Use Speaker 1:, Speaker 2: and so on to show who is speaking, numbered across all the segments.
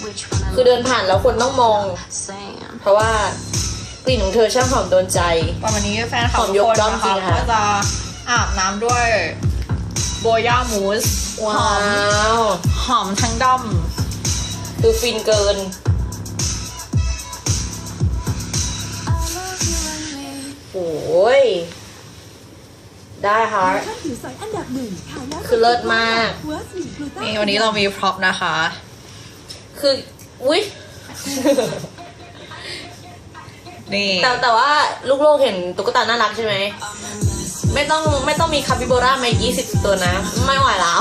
Speaker 1: คือเดินผ่านแล้วคนต้องมอง เพราะว่ากลิ่นของเธอช่างหอมโดนใจ
Speaker 2: วันนี้แฟนคลับ
Speaker 1: หอม
Speaker 2: ทุ
Speaker 1: ย
Speaker 2: ก
Speaker 1: ก
Speaker 2: คน
Speaker 1: ย่อง
Speaker 2: นะ
Speaker 1: จริ
Speaker 2: คะ
Speaker 1: งค่ะ
Speaker 2: ก็จะอาบน้ำด้วยโบย่ามูสห
Speaker 1: ว้า
Speaker 2: อม
Speaker 1: ว
Speaker 2: หอมทั้งด้อม
Speaker 1: ดูฟินเกิน โอ้ย ได้ค่ะ คือเลิศมาก
Speaker 2: นี่วันนี้เรามีพร็อพนะคะ
Speaker 1: คืออุ๊ย
Speaker 2: นี่
Speaker 1: แต่ว่าลูกโลกเห็นตุ๊กตาน่ารักใช่ไหม ไม่ต้องมีคาปิโบรามา20 ตัวนะ ไม่ไหวแล้ว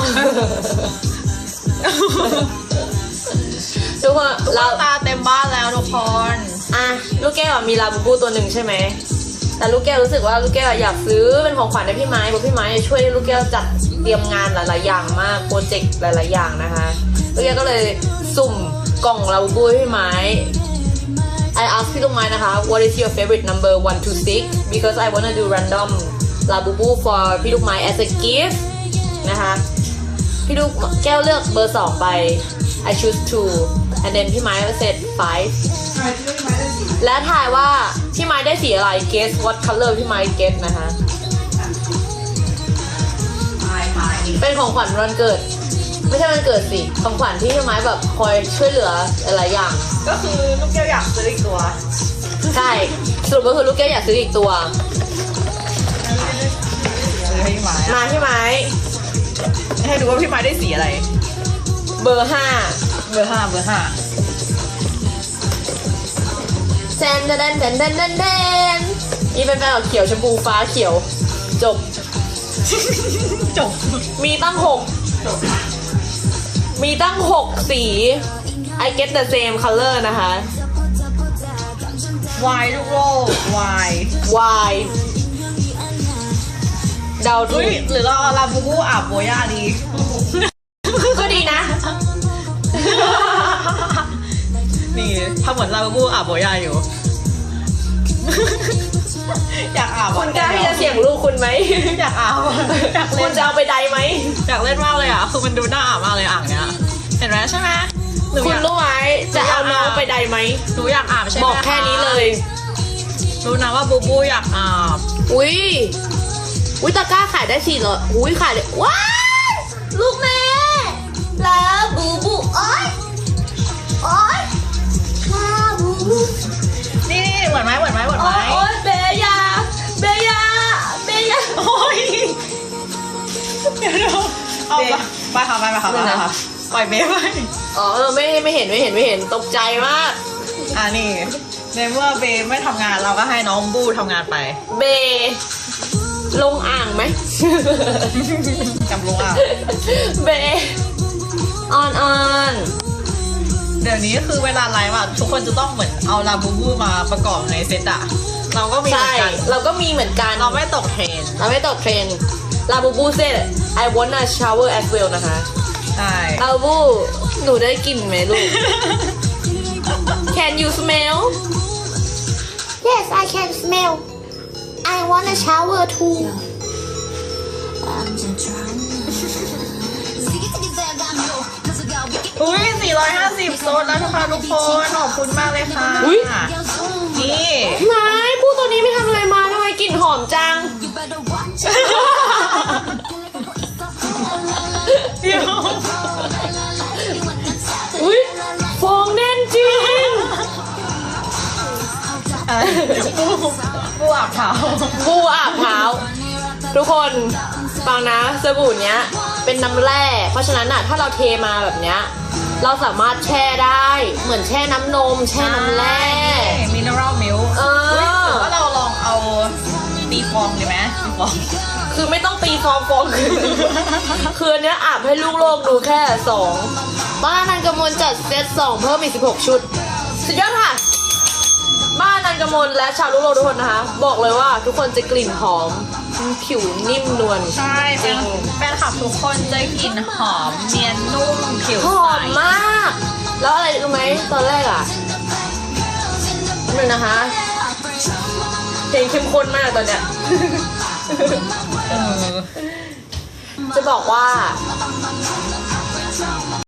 Speaker 1: ทุกคนเรา
Speaker 2: ตาเต็มบ้านแล้วทุกคน
Speaker 1: อ่ะลูกแก้วอะมีลาบูบูตัวหนึ่งใช่ไหม แต่ลูกแก้วรู้สึกว่าลูกแก้วอยากซื้อเป็นของขวัญให้พี่ไม้เพราะพี่ไม้ช่วยลูกแก้วจัดเตรียมงานหลายๆอย่างมากโปรเจกต์หลายๆอย่างนะคะลูกแก้วก็เลยสุ่มกล่องลาบูบูให้พี่ไม้ I asked พี่ลูกไม้นะคะ What is your favorite number 1 to 6 because I wanna do random ลาบูบู for พี่ลูกไม้ as a gift นะคะพี่ลูกแก้วเลือกเบอร์ 2 ไป I choose 2 and then พี่ไม้ก็ set 5 และทายว่าพี่ไม้ได้สีอะไร guess what color พี่ไม้ guess นะคะเป็นของขวัญวันเกิด ไม่ใช่วันเกิดสิของขวัญที่พี่ไม้แบบคอยช่วยเหลือหลายอย่าง
Speaker 2: ก็คือลูกแก้วอยากซื้ออีกตัว
Speaker 1: ใช่สรุปก็คือลูกแก้วอยากซื้ออีกตัว
Speaker 2: ซื้อให้พี่ไม้
Speaker 1: มาพี่ไม้
Speaker 2: ให้ดูว่าพี่ไม้ได้สีอะไร
Speaker 1: เบอร์
Speaker 2: เบอร์ 5 เบอร์ 5
Speaker 1: แซนเดนเดนเดนเดนเดนนี่เป็นแบบเขียวชมพูฟ้าเขียวจบ
Speaker 2: จบ
Speaker 1: มีตั้ง6สี I get the same color นะคะ
Speaker 2: วายลูกโลกวาย
Speaker 1: Y เดาถู
Speaker 2: เฮ้ย
Speaker 1: ก
Speaker 2: หรือเราเอาลาบูบูอาบโบย่าดี
Speaker 1: ก็ดีนะ
Speaker 2: นี่ทำเหมือนลาบูบูอาบโบย่าอยู่ อยากอาบ
Speaker 1: คุณกล้าที่จะเสี่ยงลูกคุณไหม
Speaker 2: อยากอาบอยาก
Speaker 1: คุ
Speaker 2: เล่
Speaker 1: ณ
Speaker 2: น
Speaker 1: จะเอาไปใดไหม
Speaker 2: อยากเล่นมากเลยอ่ะคือมันดูน่าอาบมากเลยอ่างเนี้ยเห็นไหมใช่ไหมหนู
Speaker 1: คุ
Speaker 2: อ
Speaker 1: ณ
Speaker 2: ยาก
Speaker 1: รู้ไหมจะเอาน้องไปใดไหม
Speaker 2: หนูอยากอาบใช่ไหม
Speaker 1: บอกแค่นี้เลย
Speaker 2: รู้นะว่าบูบูอยากอาบ
Speaker 1: อุ้ยตะกร้าขายได้4เลยอุ้ยขายได้ว้ายลูกแม่ลาบูบูโอ๊ยลาบูบู
Speaker 2: นี่เหมือนไหม
Speaker 1: โอ๊ยเบยา
Speaker 2: โอ้ยเดี๋ยวเอาไปค่ะไปค่ะปล่อยเบฟไป
Speaker 1: อ๋อไม่เห็นตกใจมาก
Speaker 2: นี่ในเมื่อเบฟไม่ทำงานเราก็ให้น้องบูทำงานไป
Speaker 1: เบลงอ่างไหม
Speaker 2: จำลงอ่ะ
Speaker 1: เบออน
Speaker 2: เดี๋ยวนี้คือเวลาไลฟ์อ่ะทุกคนจะต้องเหมือนเอาลาบูบูมาประกอบในเซตอ่ะเราก็มีเหมื
Speaker 1: ใช่
Speaker 2: อนกัน
Speaker 1: เราก็มีเหมือนกัน
Speaker 2: เราไม่ตกเทรนด์
Speaker 1: เราไม่ตกเทรนด์ลาบูบูเซ่ I wanna shower as well นะคะ
Speaker 2: ใช่
Speaker 1: ลาบูบูหนูได้กลิ่นไหมลูก Can you smell
Speaker 3: Yes, I can smell. I want a shower too.
Speaker 2: อุ้ย450โซนแล้วนะคะทุกคนขอบคุณมากเลยค่ะ
Speaker 1: อุ๊ย
Speaker 2: นี่
Speaker 1: นายผู้ตัวนี้ไม่ทำอะไรมาทำไมกลิ่นหอมจัง
Speaker 2: เดี๋ยว
Speaker 1: อุ้ยฟองแน่นจริง
Speaker 2: บูอาบเท้า
Speaker 1: บูอาบเท้าทุกคนฟังนะสบู่เนี้ยเป็นน้ำแร่เพราะฉะนั้นอะถ้าเราเทมาแบบเนี้ยเราสามารถแช่ได้เหมือนแช่น้ำนม แช่น้ำแร่
Speaker 2: มินเนอรัลมิลค์
Speaker 1: เออ
Speaker 2: หรือว่าเราลองเอาตีฟองดีไหมตีฟอง
Speaker 1: คือไม่ต้องตีฟองคืออันเนี้ยอาบให้ลูกโลกดูแค่2บ้านนันกมลจัดเซต2เพิ่มอีก16ชุดสุดยอดค่ะบ้านนันกมลและชาวลูกโลกทุกคนนะคะบอกเลยว่าทุกคนจะกลิ่นหอมผิวนิ่มนวล
Speaker 2: ใช่แฟนคลับทุกคนจะกลิ่นหอมเนียนนุ่มผิว
Speaker 1: ห
Speaker 2: ใส
Speaker 1: อมมาก แล้วอะไรรู้ไหมตอนแรกอ่ะนึงนะคะเพลงเข้มข้นมากตอนเนี้ย จะบอกว่า